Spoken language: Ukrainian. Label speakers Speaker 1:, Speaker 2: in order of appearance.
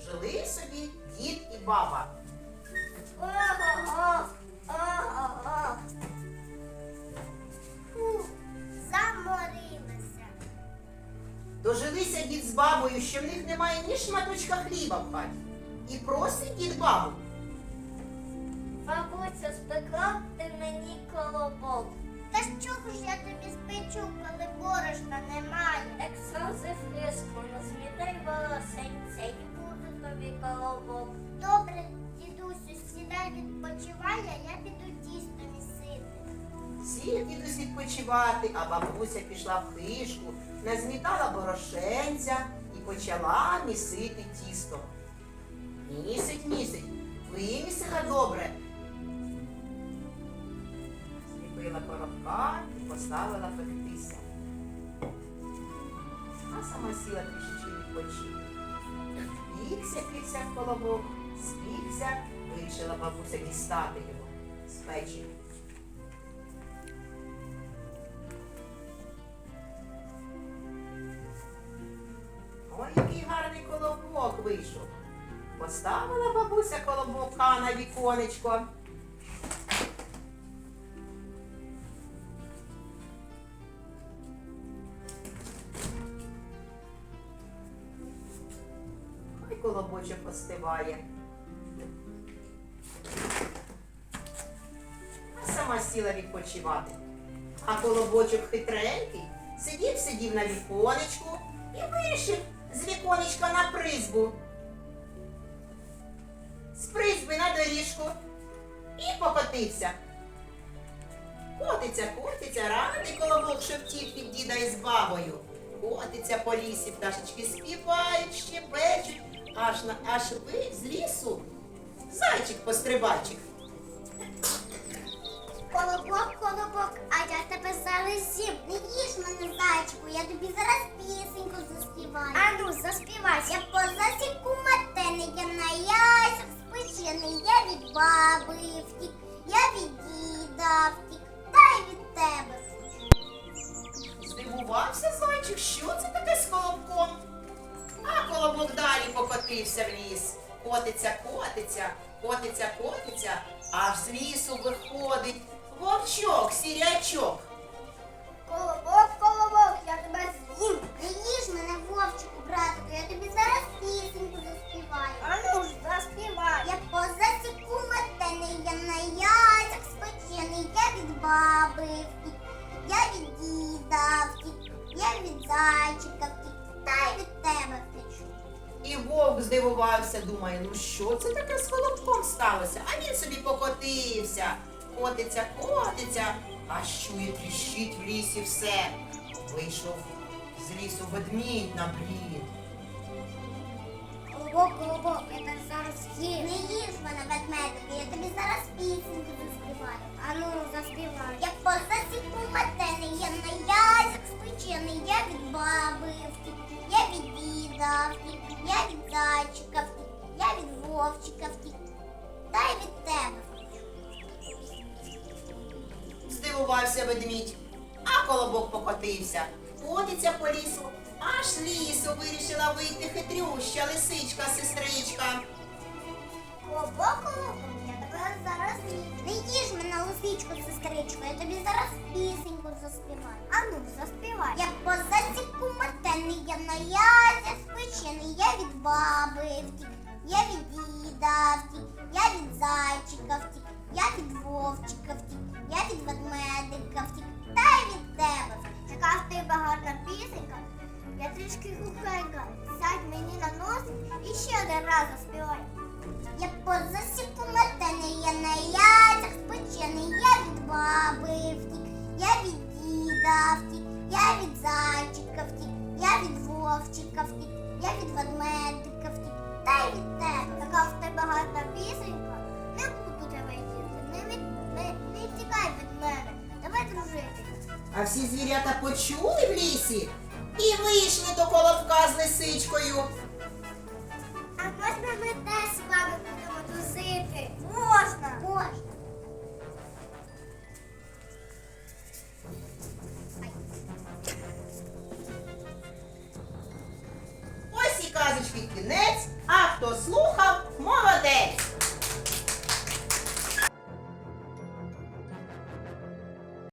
Speaker 1: Жили собі дід і баба.
Speaker 2: Ого-го, ого-го. Фу, заморилася.
Speaker 1: Дожилися дід з бабою, що в них немає ні шматочка хліба в хаті. І просить дід бабу.
Speaker 2: Бабуся, спекла б ти мені колобок. Та з чого ж я тобі спечу, коли борошна немає? Ексози фриску, розмітай волосенця і буде тобі колобок. Добре, дідусю, сідай відпочивай, а я піду тісто місити.
Speaker 1: Сів дідусь відпочивати, а бабуся пішла в хишку, назмітала борошенця і почала місити тісто. Місить, вимісила добре. Зліпила коробка і поставила пектися. А сама сіла трішечки відпочити. Пікся колобок, спікся, вирішила бабуся дістати його з печі. Ой, який гарний колобок вийшов. Поставила бабуся колобока на віконечко. Хай колобочок остиває. А сама сіла відпочивати. А колобочок хитренький сидів на віконечку і вирішив з віконечка на призьбу. З призьби на доріжку і покотився. Котиться, радий колобок, що втік від діда із бабою. Котиться по лісі, пташечки співають, щебечуть, аж ви з лісу зайчик-пострибайчик.
Speaker 2: Колобок, а я тебе зараз з'їм. Не їж мене, зайчику, я тобі зараз пісеньку заспіваю. Ану, заспівай. Я по засіку метений, я на яйцях спечений, я від баби втік, я від діда втік, та й від тебе втік.
Speaker 1: Здивувався зайчик, що це таке з колобком? А колобок далі покотився в ліс. Котиться, аж з лісу виходить вовчок, сірячок.
Speaker 2: Колобок, я тебе з'їм. Не їж мене, вовчику, братику, я тобі зараз пісеньку заспіваю. Ану ж, заспівай. Я по засіку метений, я на яйцях спечений, я від баби втік, я від діда втік, я від зайчика втік, та й від тебе втечу.
Speaker 1: І вовк здивувався, думає, ну що це таке з колобком сталося? А він собі покотився. Котиться, аж чує, тріщить в лісі все. Вийшов з лісу ведмідь на брід.
Speaker 2: Колобок, я тебе зараз з'їм. Не їж мене, ведмедику, я тобі зараз пісеньку заспіваю. Ану, заспівай. Я по засіку метений, я на яйцях спечений, я від баби втік, я від діда втік, я від зайчика втік, я від вовчика втік, та й від тебе.
Speaker 1: Здивувався ведмідь, а колобок покотився. Котиться по лісу, аж з лісу вирішила вийти хитрюща лисичка-сестричка.
Speaker 2: Колобок, я тебе зараз з'їм. Не їж мене, лисичко, сестричко, я тобі зараз пісеньку заспіваю. Ану, заспівай. Я по засіку метений, я на яйцях спечений, я від баби втік, я від діда втік, я від зайчика втік, я від вовчика втік, я від ведмедика втік, та й від тебе втік. Така в тебе гарна пісенька, я трішки глухенька, сядь мені на нос і ще один раз заспівай. Я по засіку метений, я на яйцях спечений, я від баби втік, я від діда втік, я від зайчика втік, я від вовчика втік, я від ведмедика втік, та й від тебе. Така в тебе гарна пісенька, не буду тебе їсти, не втікай від мене, давай дружити.
Speaker 1: А всі звірята почули в лісі і вийшли до колобка з лисичкою.
Speaker 2: А можна ми теж з вами будемо дружити? Можна.
Speaker 1: Ось і казочки кінець, а хто слухає,